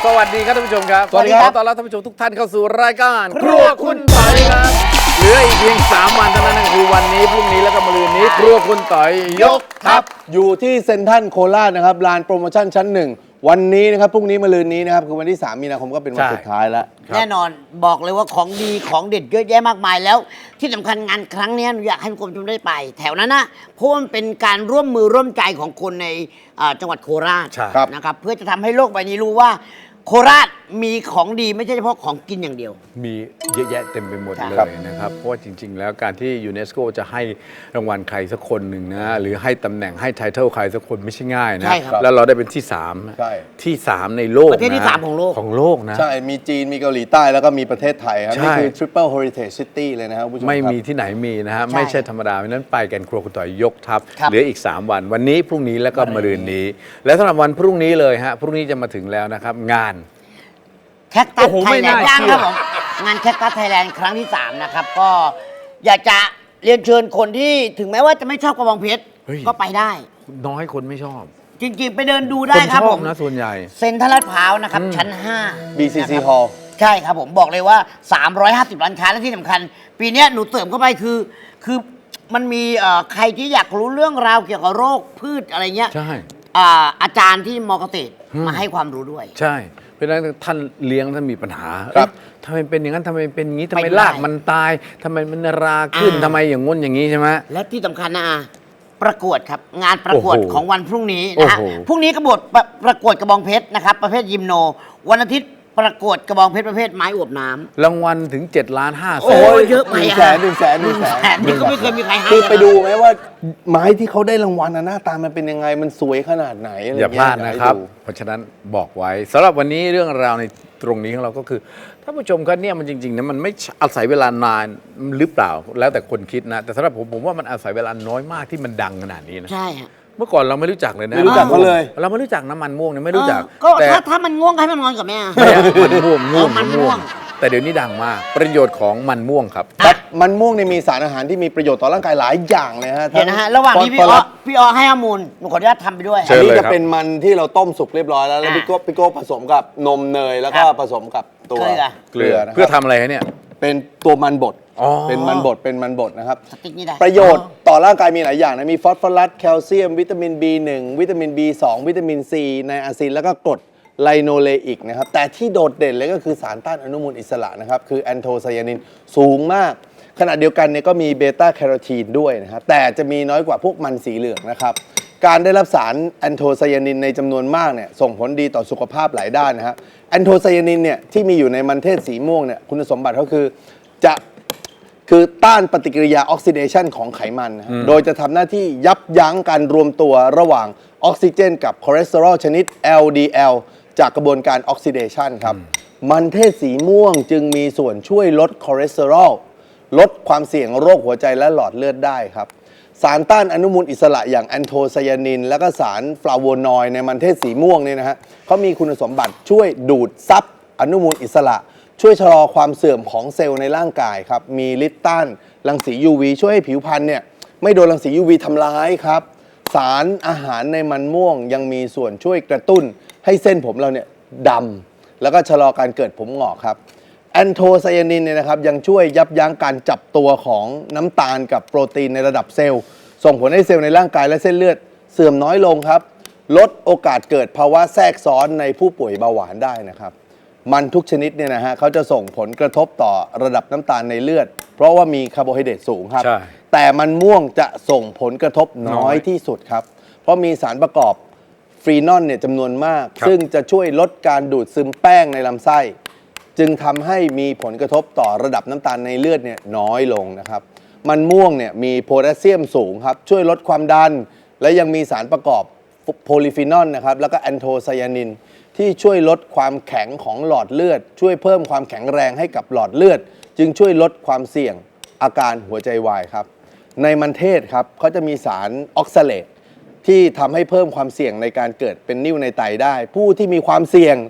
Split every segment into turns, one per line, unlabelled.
สวัสดีครับท่านผู้ชมครับ
สวัสดีครับ
ขอต้อนรับท่านผู้ชมทุกท่านเข้าสู่รายการครัวคุณต่อยครับเหลืออีกเพียง3 วันเท่านั้นนะคือวันนี้พรุ่งนี้แล้วก็มะรืนนี้ครัวคุณต่อยยกทัพ
อยู่ที่เซ็นทรัลโคราชนะครับลานโปรโมชั่นชั้น 1วันนี้นะครับพรุ่งนี้มะรืนนี้นะครับคือวันที่3 มีนาคมก็เป็นวัน
ใช่
สุดท้ายแล้ว
แน่นอนบอกเลยว่าของดีของเด็ดเยอะแยะมากมายแล้ว ที่สำคัญงานครั้งนี้หนูอยากให้คุณผู้ชมได้ไป แถวนั้นนะเพราะว่ามันเป็นการร่วมมือร่วมใจของคนในจังหวัดโคราช
ใช่
นะครับเพื่อจะทำให้โลกใบนี้รู้ว่าโคราชมีของดีไม่ใช่เฉพาะของกินอย่างเดียว
มีเยอะแยะเต็มไปหมด
ใช่
เล
ครับ
ยนะครับเพราะว่าจริง ๆ แล้วการที่ยูเนสโกจะให้รางวัลใครสักคนหนึ่งนะหรือให้ตำแหน่งให้ไทเทิลใครสักคนไม่ใช่ง่ายนะ
ใช่ครับ
แล้วเราได้เป็นที่
ใช่
3ที่ 3 ในโลก
ประเทศที่
น
3ของโลก
ของโลกนะ
ใช่มีจีนมีเกาหลีใต้แล้วก็มีประเทศไทยครับ
ใช่
นี่คือ Triple Heritage City เลยนะครับคุณผู้ชม
ไม่
ครับ
มีที่ไหนมีนะฮะ
ใช่
ไม่ใช่ธรรมดาเพราะฉะนั้นไปกันครัวคุณต่อยยกทัพ
ครับ
เหลืออีก 3 วัน วันนี้พรุ่งนี้แล้วก็มะรืนนี้ และสำหรับวันพรุ่งนี้เลยฮะพรุ่งนี้จะมาถึงแล้วนะครับงาน
แคคตัส
โอ้โห
ไท
ไม่
ยแล
น่าน
ด์
เชื่อ
ย่างครับผมงานแคคตัสไทยแลนด์ครั้งที่ 3 นะครับ ก็อยากจะเรียนเชิญคนที่ถึงแม้ว่าจะไม่ชอบกระบองเพชร
เฮ้ย
ก็ไปได้
น้อยคนไม่ชอบ
จริงๆ ไปเดินดูได้
คน
ครับ
ชอ
ผ
บ
ม
นะส่วนใหญ่
เซ็นทรัลลาดพร้าวนะครับ ชั้น 5
BCC
นะครับ
Hall
ใช่ครับผมบอกเลยว่า 350 ร้านค้าและที่สำคัญ ปีเนี้ยหนูเสริมเข้าไปคือมันมีใครที่อยากรู้เรื่องราวเกี่ยวกับโรคพืชอะไรเงี้ย
ใช่
อาจารย์ที่มอเกษตร
อืม
มาให้ความรู้ด้วย
ใช่เพราะฉะนั้นท่านเลี้ยงท่านมีปัญหา
ครับ
เอ๊ะทำไมเป็นอย่างนั้นทำไมเป็นอย่างนี้ทำไม
ไปดู
ราก
ได้
มันตายทำไมมันราขึ้น
อ่า
ทำไมอย่างง้นอย่างนี้ใช่ไหม
และที่สำคัญนะประกวดครับ งานประกวด
โอ้โห
ของวันพรุ่งนี้นะฮะ
โอ้โห
พรุ่งนี้ประกวดกระบองเพชรนะครับประเภทยิมโน วันอาทิตย์ประกวดกระบองเพชรประเภทไม้อวบน้ำ
รางวัลถึง7 ล้าน5
โอ้
แสน
ยเยอะไป
100,000
อะ
100,000
นี่ก็ไม่เคยมีใครให้
คือไป
นะ
ดูไหมว่าไม้ที่เขาได้รางวัลน่ะหน้าตามันเป็นยังไงมันสวยขนาดไหนอะไร
อย่าพลาด
เงี้
นะครับ
ให้ดู
เพราะฉะนั้นบอกไว้สำหรับวันนี้เรื่องราวในตรงนี้ของเราก็คือท่านผู้ชมครับเนี่ยมันจริงๆนะมันไม่อาศัยเวลานานหรือเปล่าแล้วแต่คนคิดนะ แต่สำหรับผมว่ามันอาศัยเวลาน้อยมากที่มันดังขนาดนี้นะ
ใช่ฮะ
เมื่อก่อนเราไม่รู้จักเลยนะ
ไม่รู้จักเขาเลย
เราไม่รู้จักน้ำมันม่วงเนี่ยไม่รู้จัก
ก็
แต่
ถ้ามันง่วงก็ให้มันนอนกับแม่
ไม่อะมันม่วง
อ๋อมันม่วง
แต่เดี๋ยวนี้ดังมากประโยชน์ของมันม่วงครับ
ครับมันม่วงเนี่ยมีสารอาหารที่มีประโยชน์ต่อร่างกายหลายอย่างเลยฮะ
เดี๋ยวนะฮะระหว่างที่พี่
ฟอสฟอ
อ้อ
รัส
พี่อ้อให้ข้อมูลหนูขออนุญาตทำไปด้วย
เชิ
อั
ญ
นนี้
เลย
จะ
ครับ
เป็นมันที่เราต้มสุกเรียบร้อยแล้ว
อ่า
พี่โก้ผสมกับนมเนยแล้วก็
ครับ
ผสมกับตัว
เกลือ
นะค
เพื่อ
รับ
ทำอะไรฮะเนี่ย
เป็นตัวมันบด
อ๋อ
เป็นมันบดนะครับ
สติ๊กนี่ได้
ประโยชน์ต่อร่างกายมีหลายอย่างนะ มีฟอสฟอรัส แคลเซียม วิตามิน B1 วิตามิน B2 วิตามิน C ไนอาซิน แล้วก็กรดไลโนเลอิกนะครับ แต่ที่โดดเด่นเลยก็คือสารต้านอนุมูลอิสระนะครับ คือแอนโทไซยานินสูงมาก ขณะเดียวกันเนี่ยก็มีเบต้าแคโรทีนด้วยนะครับ แต่จะมีน้อยกว่าพวกมันสีเหลืองนะครับ การได้รับสารแอนโทไซยานินในจำนวนมากเนี่ยส่งผลดีต่อสุขภาพหลายด้านนะครับแอนโทไซยานินเนี่ยที่มีอยู่ในมันเทศสีม่วงเนี่ยคุณสมบัติก็คือต้านปฏิกิริยาออกซิเดชันของไขมันนะฮะโดยจะทำหน้าที่ยับยั้งการรวมตัวระหว่างออกซิเจนกับคอเลสเตอรอลชนิด LDL จากกระบวนการออกซิเดชันครับ มันเทศสีม่วงจึงมีส่วนช่วยลดคอเลสเตอรอลลดความเสี่ยงโรคหัวใจและหลอดเลือดได้ครับ สารต้านอนุมูลอิสระอย่างแอนโทไซยานิน และก็สารฟลาโวนอยด์ในมันเทศสีม่วงเนี่ยนะฮะเขามีคุณสมบัติช่วยดูดซับอนุมูลอิสระ ช่วยชะลอความเสื่อมของเซลล์ในร่างกายครับ มีฤทธิ์ต้านรังสี UV ช่วยให้ผิวพรรณเนี่ยไม่โดนรังสี UV ทำร้ายครับ สารอาหารในมันม่วงยังมีส่วนช่วยกระตุ้นให้เส้นผมเราเนี่ยดำแล้วก็ชะลอการเกิดผมหงอกครับ แอนโทไซยานินเนี่ยนะครับยังช่วยยับยั้งการจับตัวของน้ำตาลกับโปรตีนในระดับเซลล์ ส่งผลให้เซลล์ในร่างกายและเส้นเลือดเสื่อมน้อยลงครับ ลดโอกาสเกิดภาวะแทรกซ้อนในผู้ป่วยเบาหวานได้นะครับ มันทุกชนิดเนี่ยนะฮะเขาจะส่งผลกระทบต่อระดับน้ำตาลในเลือด เพราะว่ามีคาร์โบไฮเดรตสูงครับ
ใช่
แต่มันม่วงจะส่งผลกระทบน้อยที่สุดครับ เพราะมีสารประกอบฟรีนอลเนี่ยจำนวนมาก
ครับ
ซึ่งจะช่วยลดการดูดซึมแป้งในลำไส้ จึงทำให้มีผลกระทบต่อระดับน้ำตาลในเลือดเนี่ยน้อยลงนะครับ มันม่วงเนี่ยมีโพแทสเซียมสูงครับช่วยลดความดัน และยังมีสารประกอบโพลีฟีนอลนะครับแล้วก็แอนโทไซยานินที่ช่วยลดความแข็งของหลอดเลือด ช่วยเพิ่มความแข็งแรงให้กับหลอดเลือด จึงช่วยลดความเสี่ยงอาการหัวใจวายครับในมันเทศครับเขาจะมีสารออกซาเลตที่ทำให้เพิ่มความเสี่ยงในการเกิดเป็นนิ่วในไตได้ ผู้ที่มีความเสี่ยง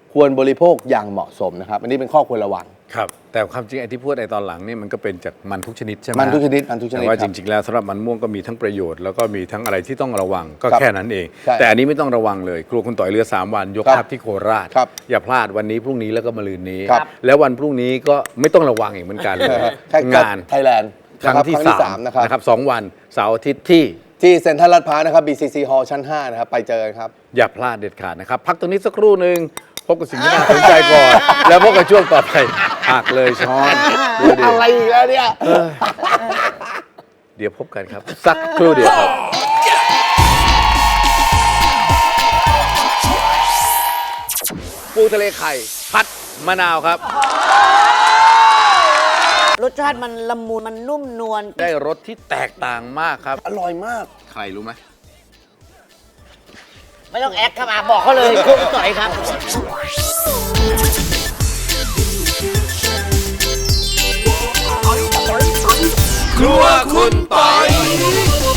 ควรบริโภคอย่างเหมาะสมนะครับอันนี้เป็นข้อควรระวัง
ครับแต่ความจริงไอ้ที่พูดไอ้ตอนหลังนี่มันก็เป็นจากมันทุกชนิดใช่ไหม
มันทุกชนิดมันทุกชนิด
แต่ว่า
ค
จ
รับ
ริง ๆ แล้วสำหรับมันม่วงก็มีทั้งประโยชน์แล้วก็มีทั้งอะไรที่ต้องระวังก็
ครับ
แค่นั้นเอง
ใช่
แต่อันนี้ไม่ต้องระวังเลยครัวคุณต่อยเรือ3 วันยก
ครับ
ทัพที่โคราช
ครับ
อย่าพลาดวันนี้พรุ่งนี้แล้วก็มะรืนนี้
ครับ
แล้ววันพรุ่งนี้ก็ไม่ต้องระวังอีกเหมือนกันเลย งาน
ไทยแลนด์
ครั้งที่
3นะครับ
นะครับ2 วันเสาร์อาทิตย์ที่
ที่เซ็นทรัลลาดพร้าวนะครับ BCC Hall ชั้น 5 นะครับ ไปเจอกันครับ
อย่าพลาดเด็ดขาดนะครับ พักตรงนี้สักครู่หนึ่งพบกับสิ่งที่น่าสนใจก่อน แล้วพบกับช่วงต่อไปหักเลยช้อนดูดิ
อะไรอีกแล้วเนี่ย
เดี๋ยวพบกันครับ สักครู่เดียวครับปูทะเลไข่ผัดมะนาวครับ
รสชาติมันละมุนมันนุ่มนวล
ได้รสที่แตกต่างมากครับ
อร่อยมาก
ใครรู้ไหม
ไม่ต้องแอคครับบอกเขาเลยคุณต่อยครับ
ครัวคุณปอย